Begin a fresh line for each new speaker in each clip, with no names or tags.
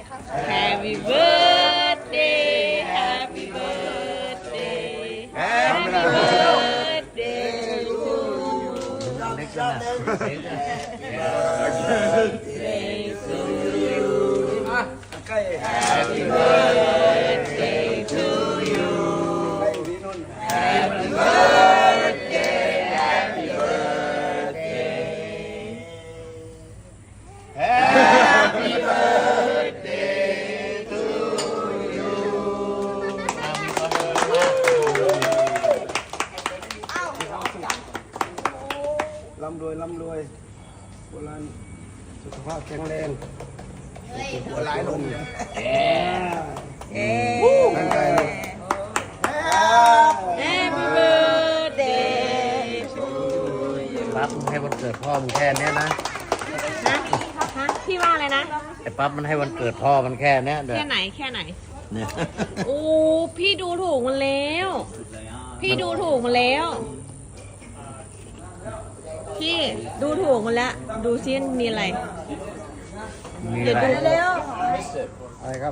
Happy birthday Happy birthday Happy birthday to you Birthday to you Happy birthday to you Happy birthday Happy birthday Happy birthday to you
ร่ำรวยร่ำรวยโบราณสุขภาพแข็งแรงหัวร้ายลงร่างกายเลย
Happy birthday to you
ปั๊บมันให้วันเกิดพ่อมึงแค่เนี้ยนะ
ฮะพี่ว่าอะไรนะ
ไอ้ปั๊บมันให้วันเกิดพ่อมันแค่เนี้ยเดี๋ยว
แค่ไหนแค่ไหน
เนี่ย
โอ้พี่ดูถูกมันแล้ว พี่ดูถูกมันแล้ว พี่ดูถูกมันแล้ว ดูซิมีอะไร
มี
เดี๋ยว
อะไร
ดูเร็ว
อะไรครับ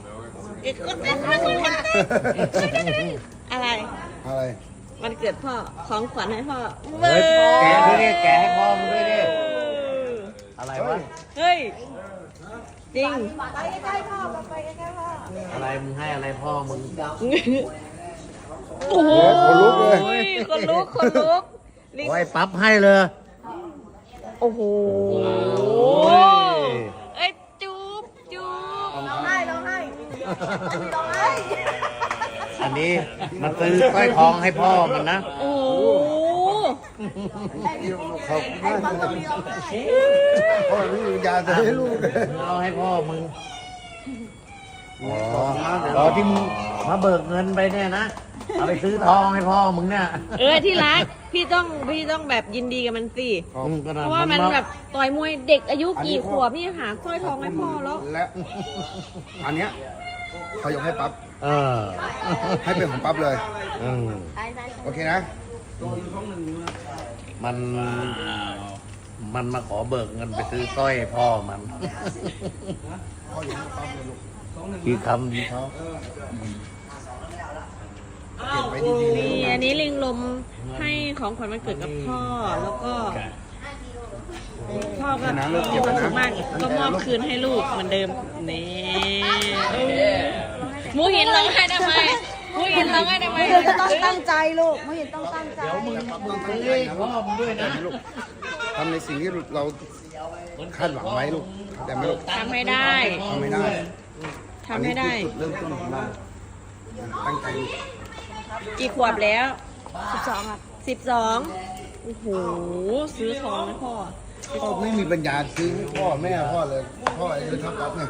อะไร
อะไร
วันเกิดพ่อของขวัญให้พ่อ
เฮ้ยแกะด้วยดิแกะให้พ่อมึงด้วยดิอะไรวะ
เฮ้ยจริง
อะไรมึงให้อะไรพ่อมึง
โอ้โห
คนลุกเลย
คนลุกคนลุก
โอ้ยปั๊บให้เลย
โอ้โห
โอ้ย
เอ้ยจูบจูบ
อันนี้มันซื้อสร้อยทองให้พ่อมันนะ
โอ้โห
ขอบคุณมากพ่อไม่มียาจะให้ลูกเลย
มึงเอาให้พ่อมึงอ๋อที่มึงมาเบิกเงินไปเนี่ยนะเอาไปซื้อทองให้พ่อมึงเนี่ย
ที่รักพี่ต้องแบบยินดีกับมันสิ
ก็
เพราะว่ามันแบบต่อยมวยเด็กอายุกี่ขวบพี่หาสร้อยทองให้พ่อแล้ว
และอันเนี้ยเขายกให้ปั๊บ
เออ
ให้เป็นของปั๊บเลย
อืม
โอเคนะ
มันมาขอเบิกเงินไปซื้อสร้อยให้พ่อมัน
พ่อยกให้ปั๊บเลยลูก
คือคำดีเขา
เก็บไว้ดีๆนะลูก
นี่
นะ
อันนี้ลิงลมให้ของขวัญวันเกิดกับพ่อแล้วก็พ่อก็มีความสุขมากก็มอบคืนให้ลูกเหมือนเดิมนี่หมูหินร้องไห้ทำไมหมูหินร้องไห้ทำไม
เธอจะต้องตั้งใจลูกไม่เห็นต้องตั้งใจ
มึงตั้งใจนะพ่อมึงด้วยนะลูกทำในสิ่งที่เราคาดหวังไว้ลูกแต่ไม่ลูก
ทำให้ได้
ทำไม่ได้
ทำให้ได้
อันนี้คือจุดเริ่มต้นของเราตั้งใจลูก
กี่ขวบแล้ว
12ครับ
12โอ้โหซื้อทองให้พ่อ
พ่อไม่มีปัญญาซื้อให้พ่อแม่พ่อเลยพ่ออายุเท่าปั๊บเนี่ย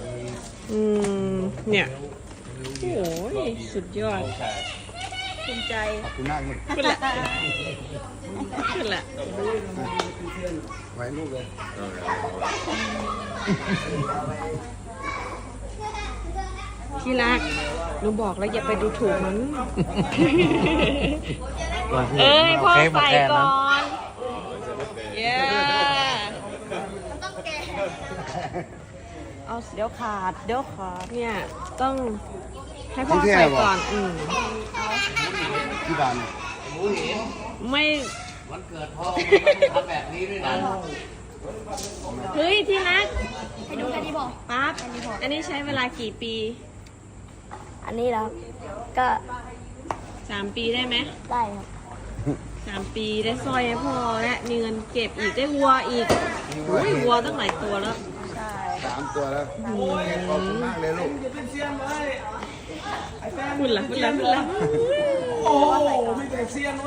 เนี่ยโอ้ยสุดยอด
ภูมิใจ
ขอบคุณมากลูก
ขึ้นละขึ้นละ
ไว้ลูกเลย
ที่รักหนูบอกแล้วอย่าไปดูถูกมัน เอ้ยพ่อใส่ก่อนเย้
เอาเดี๋ยวขาดเดี๋ยวขาด
เนี่ยต้องให้พ่อใส่ก่อน
ที่บ้าน
ไม่
วันเกิดพ่อมึงไม่ทำแบบนี้ด้วยนะ
เฮ้ยที่รัก
ให้ดูแค่นี้บอก
ปั๊บอันนี้ใช้เวลากี่ปี
อันนี้แล้วก็
3 ปีได้ไหม
ได้ครับ
3 ปีได้สร้อยให้พ่อและมีเงินเก็บอีกได้วัวอีกอุ้ยวัวตั้งหลายตัวแล้ว
ใช่
3 ตัวแล้วขอบคุณมากเลยลูก
คุณล่ะ